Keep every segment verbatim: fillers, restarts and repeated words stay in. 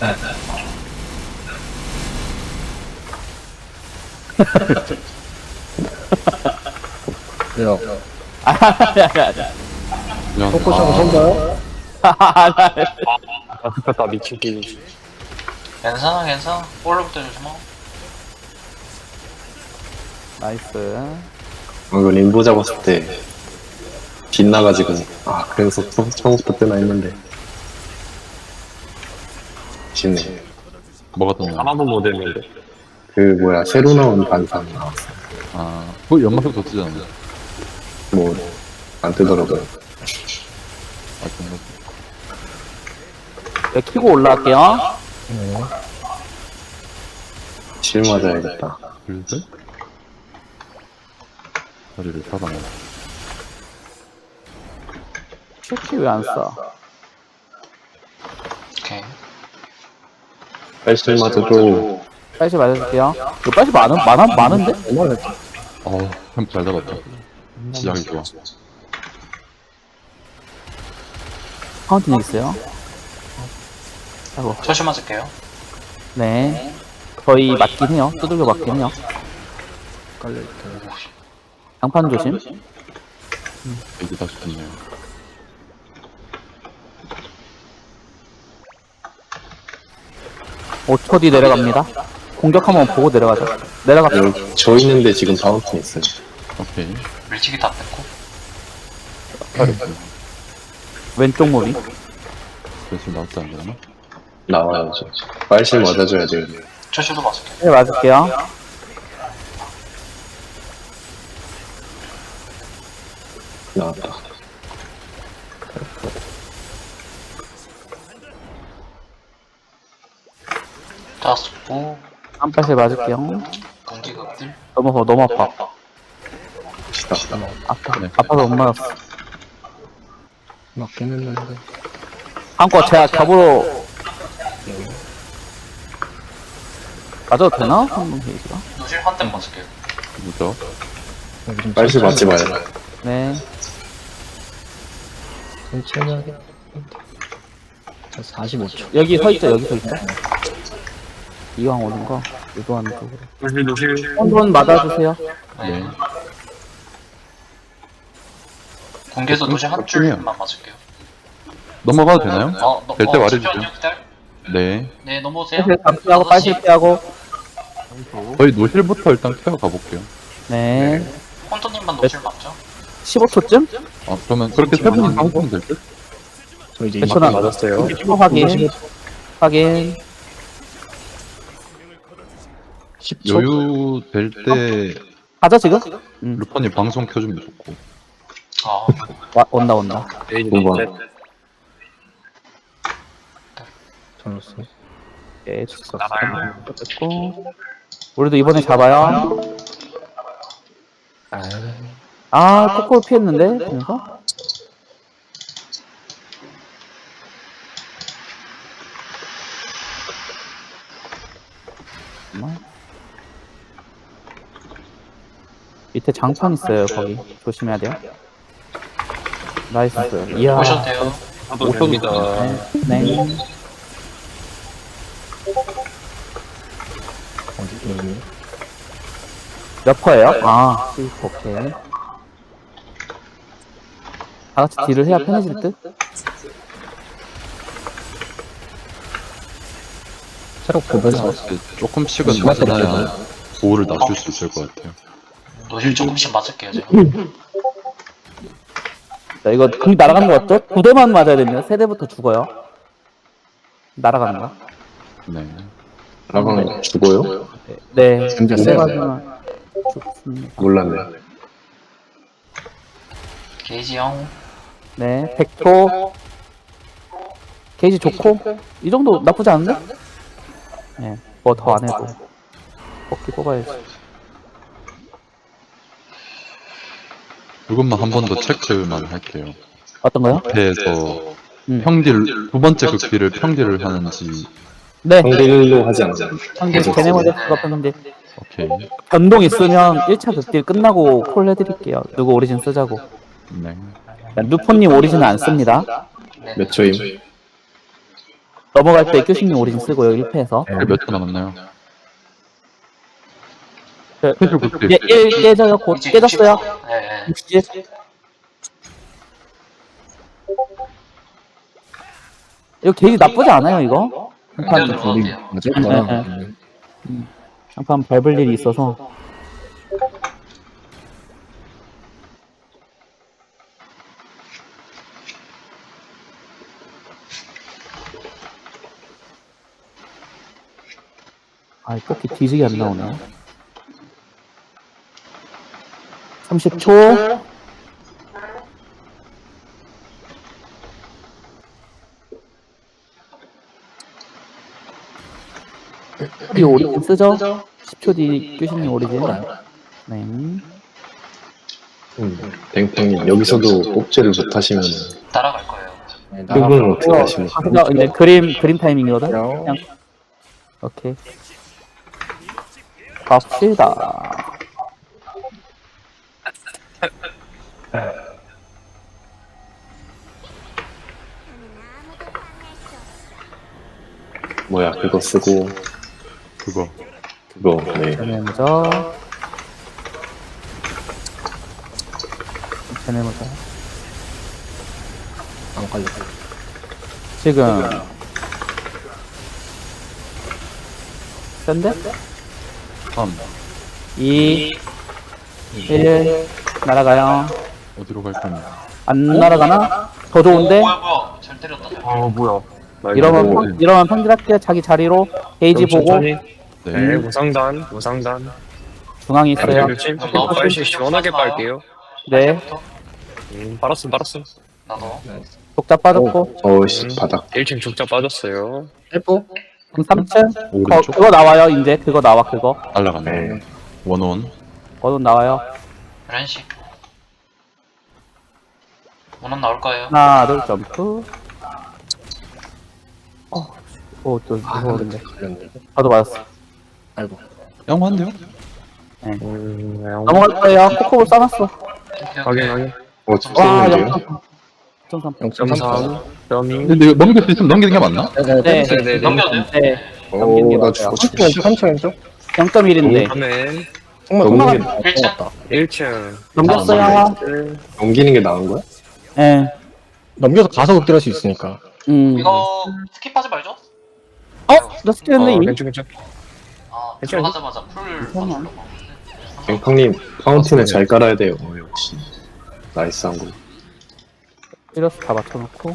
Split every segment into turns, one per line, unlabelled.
야,
그냥
포커싱 선가요?
아, 나 미치기.
괜찮아 괜찮아. 볼로부터 조심하고.
나이스.
어, 이거 림보 잡았을 때 빛나가지고 아 그래서 처- 처음부터 뜨나 했는데 쉽네.
뭐가 떴나?
하나도 못 했는데.
그 뭐야 새로 나온 반상 나왔어.
아, 그 연막도 떴잖아.
뭐 안 뜨더라고요.
아, 정말.
네, 키고 올라갈게요.
실 맞아야겠다.
둘셋 다리를 잡아먹어.
슈키 왜 안 써?
오케이.
빨실 맞아도
빨리 맞아줄게요. 이거 빨리 많은, 많아, 많은데?
어우, 햄프 잘 잡았다. 시작이 좋아.
파운틴 있어요. 아이고,
조심 맞을게요.
네. 거의 맞긴 해요. 두들겨 맞긴 해요.
깔려있다.
장판 조심.
이제 다시 됐네요.
오 초 뒤 내려갑니다. 공격 한번 보고 내려가죠. 내려갑시다.
여기 저 있는데 지금 바운틴 있어요.
오케이.
밀치기 다 뺐고.
왼쪽 무비.
그래서 나왔지 안 되나?
나와야죠. 빨실 맞아줘야 돼요.
조심도 맞을게요.
네, 맞을게요.
나왔다.
다 쏘고.
한 발씩 맞을게요.
공기극들.
너무 아파, 너무 아파.
시다.
아파,
네.
아파서 못 맞았어.
맞긴 했는데.
한거 제가 겹으로 맞아도 되나? 한번 게이지가.
노실 한 대 맞을게요.
뭐죠?
여기 좀
빨실 맞지 마요.
네.
천천히 하게. 자, 사십오 초.
여기 서 있죠, 여기 서 있죠. 이왕 오는 거, 유도하는 쪽으로.
노실, 노실.
한번 맞아주세요.
네.
네.
공개에서 노실 한 줄만 맞을게요.
넘어가도 되나요?
어, 너,
될 때
어,
말해주세요.
잠시만요, 기다려.
네.
네, 넘어오세요.
빨실 감피하고, 빨실 피하고.
저희 노실부터 일단 케어 가볼게요.
네.
콘토님만 노실 맞죠?
십오 초쯤?
아, 그러면 그렇게 세 분이 상승 될 듯?
저 이제
몇
이십
초나?
맞았어요.
십오 확인. 확인.
십 초.
여유 될 때
가죠, 지금? 음,
루퍼님 방송 켜주면 좋고.
아,
와, 온다, 온다.
두 번.
잘랐어.
네, 좋습니다. 됐고. 우리도 이번에 잡아요. 아, 코코를 피했는데? 그래서? 잠깐만. 밑에 장판 있어요, 거기. 조심해야 돼요. 나이스. 이야.
보셔도 돼요.
저도 됩니다.
네. 네.
어디, 여기.
몇 퍼예요? 아, 오케이. 다 같이 딜을 해야 편해질 듯?
체력 보면서.
조금씩은
심할 때
맞아야 보호를 낮출 수 있을 것 같아요.
노실 조금씩 맞을게요, 제가.
자, 이거 궁 날아가는 거 어때? 두 대만 맞아야 됩니다. 세 대부터 죽어요. 날아가는 거.
네.
라방 죽어요?
네.
진짜
세
세요.
가지만 죽습니다.
몰랐네.
게이지 형.
네. 백 초. 게이지 좋고. 이 정도 나쁘지 않은데? 네. 뭐 더 안 해도. 뽑기 뽑아야지.
그것만 한 번 더 체크만 할게요.
어떤 거요?
앞에서
음.
평딜, 두 번째 극딜을 평딜을 하는지.
네.
평딜로 하지 않아요.
형들 걔네 모델 수가 편인데
오케이.
변동 있으면 일 차 극딜 끝나고 콜 해드릴게요. 누구 오리진 쓰자고.
네.
누포님 오리진 안 씁니다.
네.
몇 초임?
넘어갈 때 교수님 오리진 쓰고요, 일 패에서.
네.
몇 초 남았나요?
그,
해줄 그때
이제 일 깨져요, 곧
이제
깨졌어요.
육십 초. 네, 네.
육십. 이거 게이지 나쁘지 않아요, 이거?
그냥
한판,
들어가도
우리
돼요.
맞았구나.
네, 한판 밟을 일이 있어서. 아, 이 뽑기 뒤지게 안 나오네. 삼십 초. 이 오리진 쓰죠? 십 초 뒤 교신님 오리진. 네.
음, 뱅팽님 여기서도 뽑지를 못하시면
따라갈 거예요.
네, 나가.
이분은 어떻게 하십니까?
그냥 이제 그림, 그림 타이밍이거든?
그냥
그냥. 오케이. 갑시다.
뭐야 그거 쓰고
그거.
그거 네
쟤네 먼저. 쟤네 먼저.
안 걸려.
지금. 센데?
삼.
이, 일, 날아가요.
어디로 갈 거냐?
안 날아가나? 더 좋은데?
오, 뭐야, 뭐야. 잘 때렸다. 잘.
어 뭐야.
이러면,
오.
평, 이러면 평질할게요. 자기 자리로. 게이지
좀
보고.
천천히.
네.
네, 무상단, 무상단.
중앙에 있어요.
교침.
좀 넣어봐요.
빨리 시원하게 빨게요.
네.
부터
음, 빨았음, 빨았음.
나도.
독자 빠졌고.
어우씨 바닥
일 층 죽자 빠졌어요.
헬프?
그럼 삼 층. 거,
오른쪽
그거 나와요, 이제. 그거 나와, 그거.
날라가네.
네
원원.
거돈 나와요.
렌식. 원원 나올 거예요.
하나, 둘, 점프. 어, 오, 또, 무서운데.
걸렸네.
저도 맞았어.
아이고.
양호한데요?
음,
넘어갈 거예요. 코코볼 써놨어.
오케이,
확인,
오케이.
확인.
어
와,
찍었는데요?
영 점 삼.
영 점 삼.
점삼, 점이.
근데 이거 넘길 수 있으면 넘기는 게 맞나?
네, 네,
네,
네, 네.
넘겨도 돼요?
네. 넘기는 게
오나
맞아요.
죽었어
삼 초 왼쪽, 삼 초 왼쪽.
영 점 일인데.
다음엔
정말
넘기는
넘어가.
게
일 층.
넘어갔다.
일 층.
넘겼어요.
넘기는 게 나은 거야?
예.
넘겨서 가서 극딜할 수 있으니까.
음.
이거 스킵하지 말죠?
어? 나 스킬했네,
어,
이미?
괜찮, 괜찮.
아,
괜찮아요.
들어가자마자 풀 써주려고.
뱅팽님 파운틴을 잘 깔아야 돼요 어, 역시 나이스한 거
이래서 다 맞춰놓고.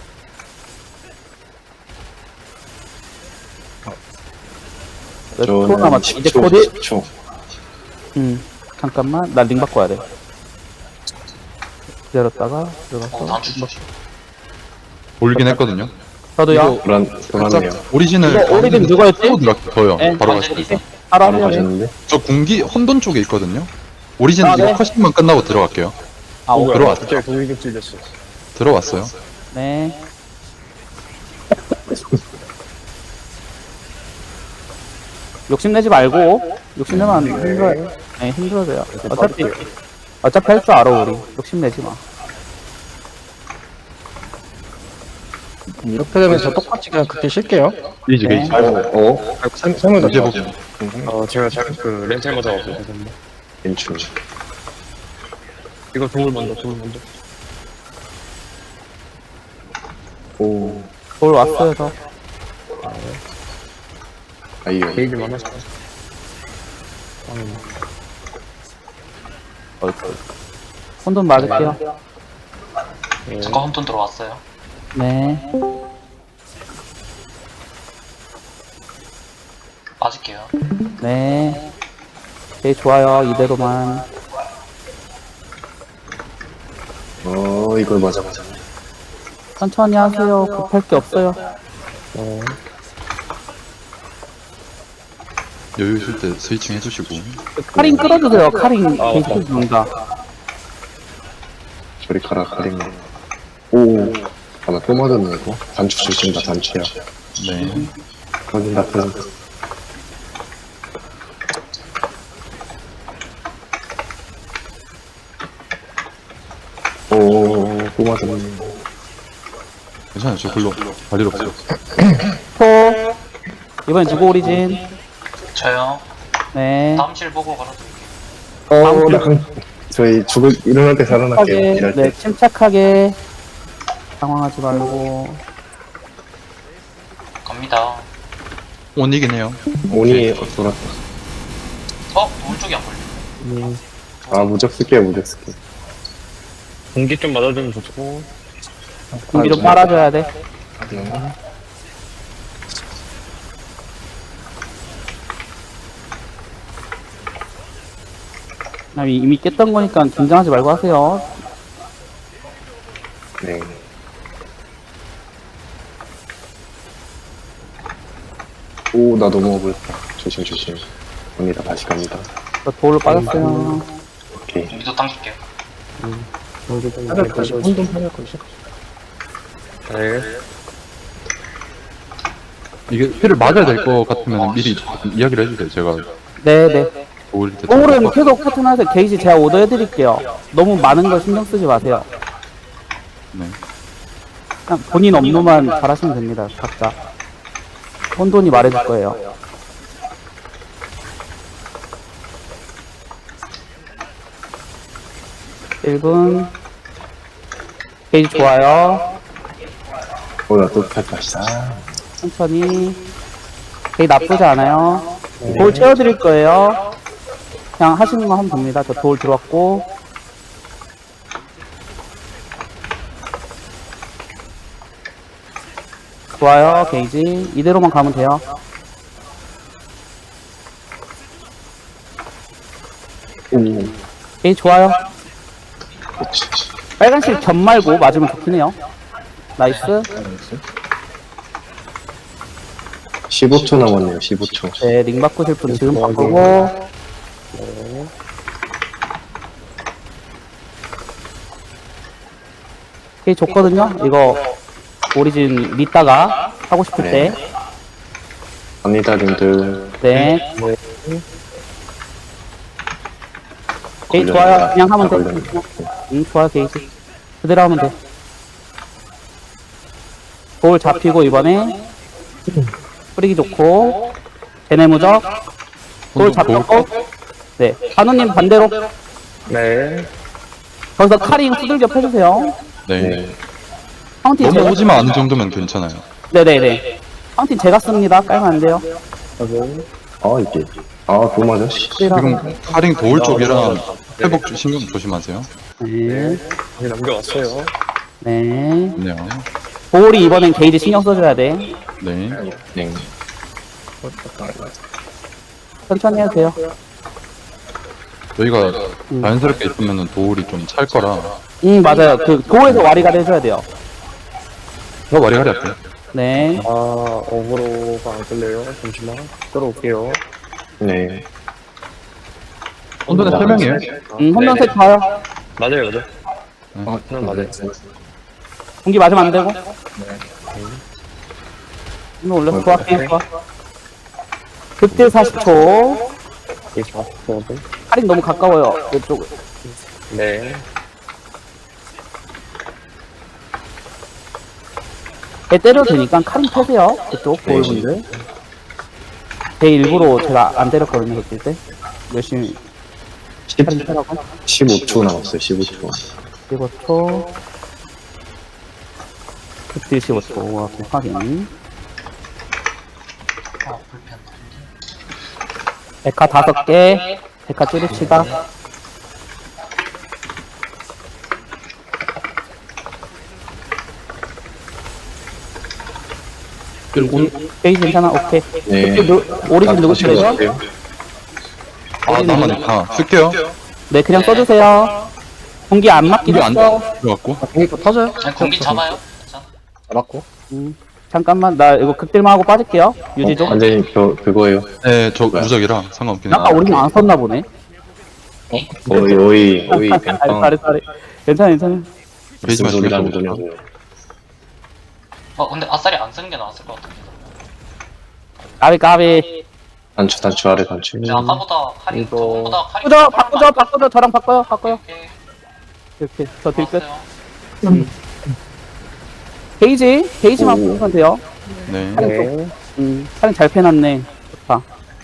몇 초
저는
남았지? 이제
십 초
코디?
십 초
음. 잠깐만. 나 링 바꿔야 돼. 기다렸다가 들어가서.
어, 단추 조심.
올긴 했거든요.
저도요.
불안, 불안해요
오리진을
이거 오리진 누구였지?
하고 들어갈게요. 저요.
네,
바로
완전히
가시죠.
바로
바로
하세요.
가셨는데
저 군기 혼돈 쪽에 있거든요. 오리진
아,
이거
네.
컷신만 끝나고 들어갈게요.
아, 오,
들어왔죠.
갑자기 동일격 찔렸어.
들어왔어요.
네. 욕심내지 말고. 욕심내면 안 힘들어요. 네, 힘들어져요. 어차피, 어차피 할 줄 알아, 우리. 욕심내지 마.
이렇게 되면 저 똑같이 그냥 극딜 쉴게요.
게이지
네.
게이지.
어?
설- 설명
이제
좀
보고.
어, 제가 잘, 그, 렌탈 맞아가지고. 죄송합니다.
괜찮
이거 도울 먼저, 도울 먼저.
오
돌 왔어요, 저.
아이요
게이지 많았어.
혼돈 맞을게요.
네.
저거 홈톤 들어왔어요.
네.
빠질게요.
네. 오케이, 좋아요. 이대로만.
어 이걸 맞아 맞아
천천히 하세요. 급할 게 없어요.
어,
여유 있을 때 스위칭 해주시고.
카링 끌어주세요. 카링
아,
계속
맞다.
준다.
저리 가라 가리네 오 아나 또 맞았네 이거 단추 조심다 단추야
네.
터진다 터진다 오또 맞았네
괜찮아요. 저 글로 갈 일 없어요.
토. 이번엔 누구 오리진?
저요.
네.
다음 실 보고 걸어드릴게요.
어, 나 강- 저희 죽을, 일어날 때 살아날게요.
침착하게,
일할
네,
때.
침착하게. 당황하지 말고.
갑니다.
못 이기네요.
오니, 돌았다.
어? 오른쪽이 안 걸려.
아, 무적 쓸게요, 무적 쓸게요.
공기 좀 맞아주면 좋고.
공기 좀 빨아줘야 돼. 아, 이미 깼던 거니까 긴장하지 말고 하세요.
네. 오, 나 너무 억울했다. 조심, 조심. 갑니다, 다시 갑니다.
저 돌로 빠졌어요.
오케이.
공기도 당길게요.
공기 좀
팔 거시 혼돈 팔 거시
네.
이게 피를 맞아야 될 것 같으면 미리 조금 이야기를 해주세요. 제가
네네.
도울 때.
오울은 계속 패턴하세요. 게이지 제가 오더 해드릴게요. 너무 많은 거 신경 쓰지 마세요.
네.
그냥 본인 업무만 잘하시면 됩니다. 각자. 혼돈이 말해줄 거예요. 일 분. 게이지 좋아요.
오, 나 또 탈 다시. 아,
천천히. 게이지 나쁘지 않아요. 돌 채워드릴 거예요. 그냥 하시는 거 하면 됩니다. 저 돌 들어왔고. 좋아요, 게이지. 이대로만 가면 돼요.
오,
게이지 좋아요.
그렇지.
빨간실 점 말고 맞으면 좋긴 해요. 나이스.
십오 초 남았네요, 십오 초.
네, 링 바꾸실 분 지금 바꾸고. 게이지 좋거든요. 이거 오리진 믿다가 하고 싶을 때.
갑니다, 님들.
네.
네.
게이지
걸렸네.
좋아요. 그냥 하면
아,
돼.
걸렸네.
응, 좋아, 게이지. 그대로 하면 돼. 볼 잡히고, 이번에. 뿌리기 좋고. 대내무적. 볼 잡혔고. 네. 한우님 반대로.
네.
거기서 카링 후들겨 펴주세요.
네.
네.
파운틴
너무
제가.
오지만 않은 정도면 괜찮아요.
네네네. 파운틴 제가 씁니다. 깔면 안 돼요.
아, 이게. 아, 그거 맞아, 씨.
지금 카링 도울 쪽이라 회복 신경 조심하세요.
네.
이제 남겨왔어요.
네.
네.
볼이 이번엔 게이지 신경 써줘야 돼.
네.
네.
천천히 해도 돼요.
저희가
음.
자연스럽게 있으면 도울이 좀 찰 거라.
응, 맞아요. 그, 도에서 와리가리 해줘야 돼요.
저 와리가리 할게요.
네.
아, 어그로가 안 끌려요. 잠시만. 끌어올게요.
네.
혼돈에 세 명이에요.
음, 혼돈 색 봐요.
맞아요, 맞아요.
아,
음, 맞아요.
공기 맞으면 안 되고. 이거 올려. 좋아, 게임 좋아. 극딜 사십 초.
이 사십 초.
할인 너무 가까워요. 이쪽.
네.
배 때려도 되니까 카린 패세요. 그쪽, 보일분들. 배 일부러 제가 안 때렸거든요, 그때 때. 열심히 카린 패라고.
십오 초 남았어요, 십오 초.
십오 초. 극딜 십오 초. 와, 확인.
아, 불편.
데카 다섯 개. 데카 찌릅시다. 게이지 괜찮아? 오케이.
네.
누, 오리진 누구
다시
쓰죠?
갈게요.
아, 나만, 아, 쓸게요.
네, 그냥 써주세요. 공기 안 맞긴
이게 안
했어.
들어갔고.
공기 또 터져요?
아니, 공기 잡아요. 괜찮아.
잡았고.
음, 잠깐만, 나 이거 극딜만 하고 빠질게요. 유지 좀.
완전히 저, 그거예요.
네, 저 무적이라 상관없긴 해요.
아까 오리진 안 썼나 보네.
오이, 오이, 오이,
아니,
뱀빵.
잘해, 잘해. 괜찮아, 괜찮아.
베이지
무슨 소리라는
마시고.
거냐고요.
어, 근데 아싸리 안 쓰는 게 나았을 것 같은데.
까비, 까비.
단추, 단추, 아래 단추.
근데 아까보다 카링,
이거-
저번보다 카링.
바꾸죠, 바꾸죠, 바꾸죠. 저랑 바꿔요, 바꿔요.
오케이.
이렇게, 저 딜끝.
좋았어요.
게이지 게이지만
오.
보면 돼요.
네.
네.
음 사진 잘 패놨네. 좋다.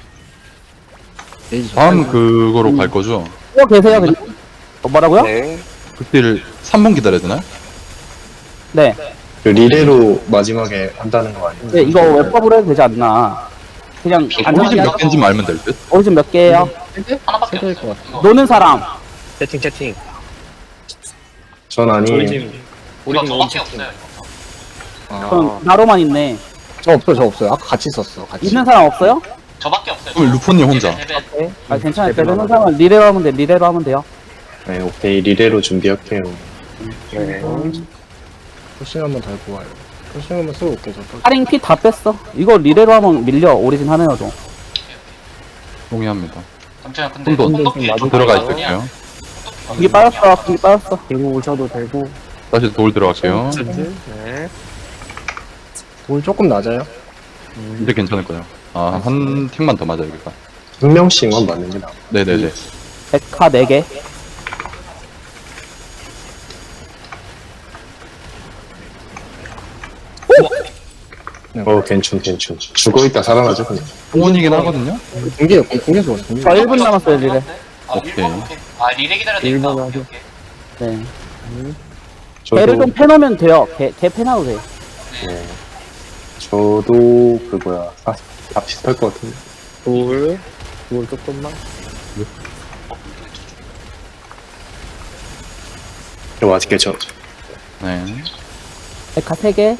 에이지
다음 그거로 갈 거죠?
또 계세요 그냥. 어, 뭐라고요?
네.
그때를 삼 분 기다려야 되나요?
네.
그 리레로 마지막에 한다는 거 아니에요?
네, 이거 웹법으로 해도 되지 않나. 그냥
오리진
안전하게
몇
하자.
개인지 알면 될 듯?
오리진 몇 개예요?
하나밖에
세개일
없어요.
것 같아.
이거
노는 사람.
채팅, 채팅.
전 아니에요.
오리진.
이거
오리진
저밖에
오리진.
없어요. 이거.
아,
그럼 나로만 있네.
저 없어요, 저 없어요. 아까 같이 썼어. 같이.
있는 사람 없어요?
저밖에 없어요.
그럼 루포님 혼자.
대배, 대배.
네. 아 괜찮아요. 되는 사람은 리레로 하면 돼. 리레로 하면 돼요.
네, 오케이. 리레로 준비할게요.
네.
포싱 한번 달고 와요. 포싱 한번 쓰고 올게, 저.
할인 피 다 뺐어. 이거 리레로 하면 밀려. 오리진 하는 여도.
동의합니다.
잠시만 근데
혼돈.
혼돈끼리
맞아.
좀
들어가
다르거든요.
있을게요.
여기 빠졌어. 여기 빠졌어.
들고 오셔도 되고.
다시 돌 들어갈게요.
네.
돌 조금 낮아요.
이제 괜찮을 거예요. 아, 한 틱만 더 맞아요, 여기가.
한 명씩만 맞는 게 나아.
네네네.
백화 네 개.
어, 괜춘, 괜춘. 죽어있다 살아나죠, 그냥.
공원이긴 하거든요?
공개요, 공개 줘, 공개.
저 일 분 남았어요, 리레.
아,
오케이.
오케이. 아, 리레 기다려야 되겠다.
일본
오케이,
하죠.
오케이.
네.
저도,
개를 좀 패놓으면 돼요. 개, 개 패놔도 돼.
네. 저도, 그, 뭐야. 아, 다 비슷할 것 같은데.
돌. 돌 조금만.
저 맛있게 저.
네.
백화 세 개.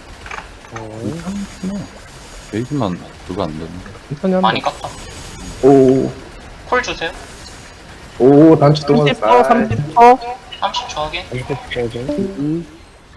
베이지만 그거 안 되네.
천천히 한
많이
번.
깠다.
오,
콜 주세요.
오, 단추 동안
삼십 초, 삼십 초.
삼십 초 하게.
음.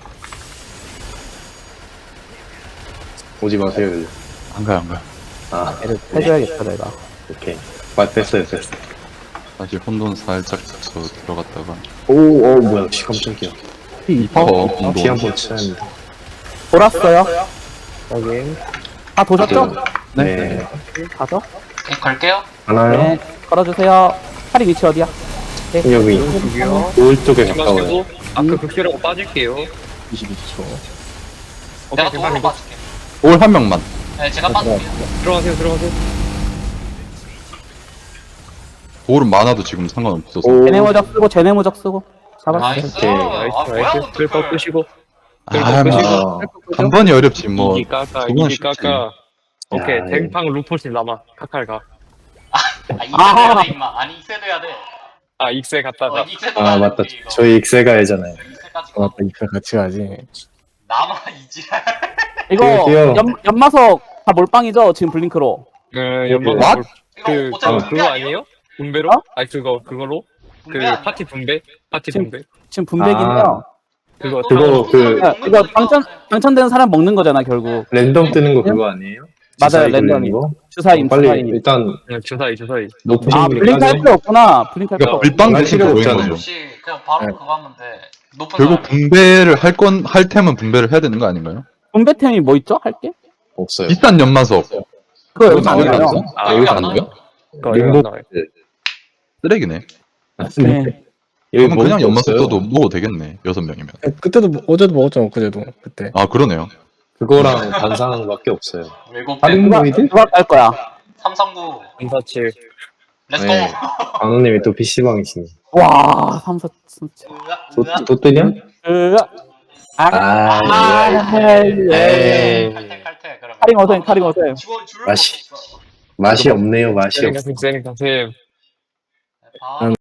오지 마세요, 여기.
안 가요, 안 가요.
아,
해줘야겠다, 내가.
오케이. 맞, 됐어요, 됐어.
다시 혼돈 살짝 저 들어갔다가.
오, 어, 뭐야, 씨, 깜짝이야.
어,
피 한
혼돈.
번 쳐야 합니다.
돌았어요.
확인.
다 도셨죠?
네.
가죠?
네, 걸게요.
하나요?
네. 걸어주세요. 팔이 위치 어디야?
여기,
여기요.
오른쪽에 가까워요.
아까 극기라고 빠질게요.
이십이 초.
내가
오케이,
도로
괜찮아.
빠질게.
올 한 명만.
네, 제가 빠질게요.
들어가세요, 들어가세요.
돌은 많아도 지금 상관없어서.
오,
제네 모적 쓰고, 제네 모적 쓰고. 잡았어.
나이스.
오케이.
아,
나이스,
뭐야,
나이스.
근데
글법
그걸.
끄시고.
아, 뭐.
아,
한 번이 어렵지, 뭐.
이기 까까,
두 번
이기
쉽지.
까까. 오케이,
야,
댕팡 루포시 남아. 카칼 가.
아, 익세도 해야 돼, 임마. 아니, 익세도 해야 돼.
아, 익세
어,
갔다가.
익세도
아,
해야
맞다.
돼, 이거.
저희 익세가야잖아요.
익세까지
어,
가.
맞다, 이פה 같이 가지.
나만 이지랄.
이거,
뛰어.
연, 연마석 다 몰빵이죠? 지금 블링크로.
네, 연방.
What?
이거
그,
어차피
어,
분배
그거
아니에요?
아니에요? 분배로?
어?
아니, 그거, 그걸로? 그,
분배 아니야?
파티 분배? 파티
지금-
분배?
지금 분배기인데요.
그거,
그거, 그-
야, 이거 당첨, 당첨되는 사람 먹는 거잖아, 결국.
랜덤 뜨는 거 그거 아니에요?
맞아요,
주사위 돌리는
랜덤이.
거?
주사임,
빨리
주사임.
일단
그냥 주사위, 주사위.
높으신
아,
분이
블링크 할
까세요.
필요 없구나. 블링크 할 필요
그러니까
없
밀빵
할
대신
필요
그거인
없잖아요.
거죠.
혹시 그냥 바로
네.
그거 하면 돼. 높은
결국
사람이.
분배를 할 건, 할 테면 분배를 해야 되는 거 아닌가요?
분배템이 뭐 있죠? 할게?
없어요.
비싼 연마석.
그거 여기
그거
안
나오지
나와요.
않았어?
아,
여기서
안
안
나와요?
나요?
그거 이거 안
림보-
나와요.
쓰레기네.
네.
여기
그러면 그냥
먹을 게
연마석
없어요.
떠도 먹어도 되겠네. 여섯 명이면.
그때도, 먹- 어제도 먹었잖아, 그제도. 그때.
아, 그러네요.
그거랑 반상한 밖에 없어요.
외국
다른
밴
누가,
모이들?
누가 깔 거야?
삼삼구.
삼사칠.
렛츠고.
네. 안호님이 또 피시방이시네.
와, 삼사, 진짜.
또, 또 뜨냐?
으아. 아,
아,
아,
에이.
칼퇴 칼퇴. 그러면.
카링 어셈, 카링 어셈.
줄- 줄을
맛이-
먹고 있어.
맛이 없네요, 맛이 없어.
쌩, 쌩, 쌩.
바로